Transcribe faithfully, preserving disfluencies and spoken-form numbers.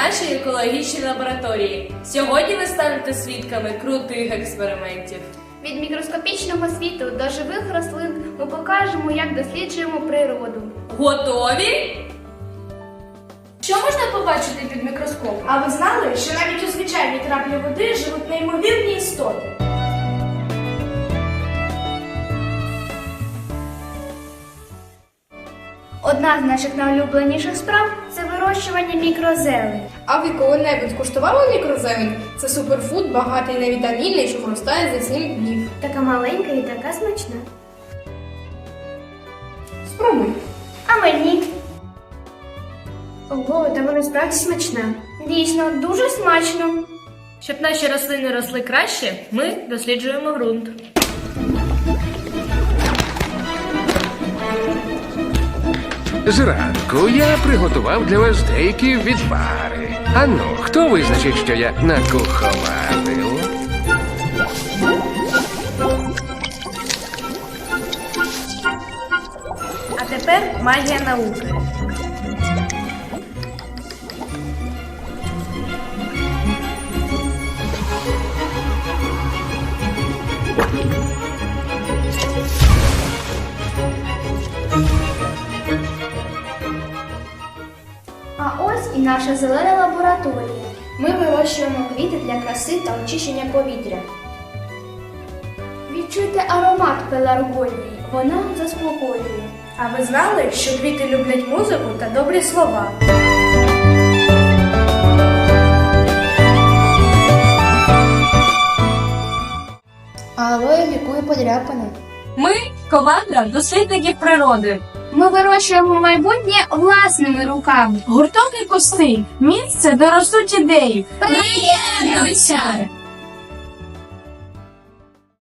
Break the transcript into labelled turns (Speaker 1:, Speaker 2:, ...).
Speaker 1: нашій екологічній лабораторії. Сьогодні ви станете свідками крутих експериментів.
Speaker 2: Від мікроскопічного світу до живих рослин ми покажемо, як досліджуємо природу.
Speaker 1: Готові?
Speaker 3: Що можна побачити під мікроскопом? А ви знали, що навіть у звичайній краплі води живуть неймовірні істоти?
Speaker 2: Одна з наших найулюбленіших справ – це вирощування мікрозелень.
Speaker 4: А ви коли-небудь куштували мікрозелень? Це суперфуд, багатий на вітаміни, що виростає за сім днів.
Speaker 2: Така маленька і така смачна.
Speaker 4: Спробуй.
Speaker 2: А мені? Ого, та вона справді смачна. Дійсно, дуже смачно.
Speaker 1: Щоб наші рослини росли краще, ми досліджуємо ґрунт.
Speaker 5: Зранку я приготував для вас деякі відвари. Ану, хто визначить, що я накуховадив?
Speaker 1: А тепер магія науки.
Speaker 2: А ось і наша зелена лабораторія. Ми вирощуємо квіти для краси та очищення повітря. Відчуйте аромат пеларгонії, вона заспокоює.
Speaker 3: А ви знали, що квіти люблять музику та добрі слова?
Speaker 4: Алоє лікує подряпини.
Speaker 1: Ми – команда дослідників природи.
Speaker 2: Ми вирощуємо майбутнє власними руками.
Speaker 1: Гурток і кусти – місце, де ростуть ідеї.
Speaker 2: Приєднуйся!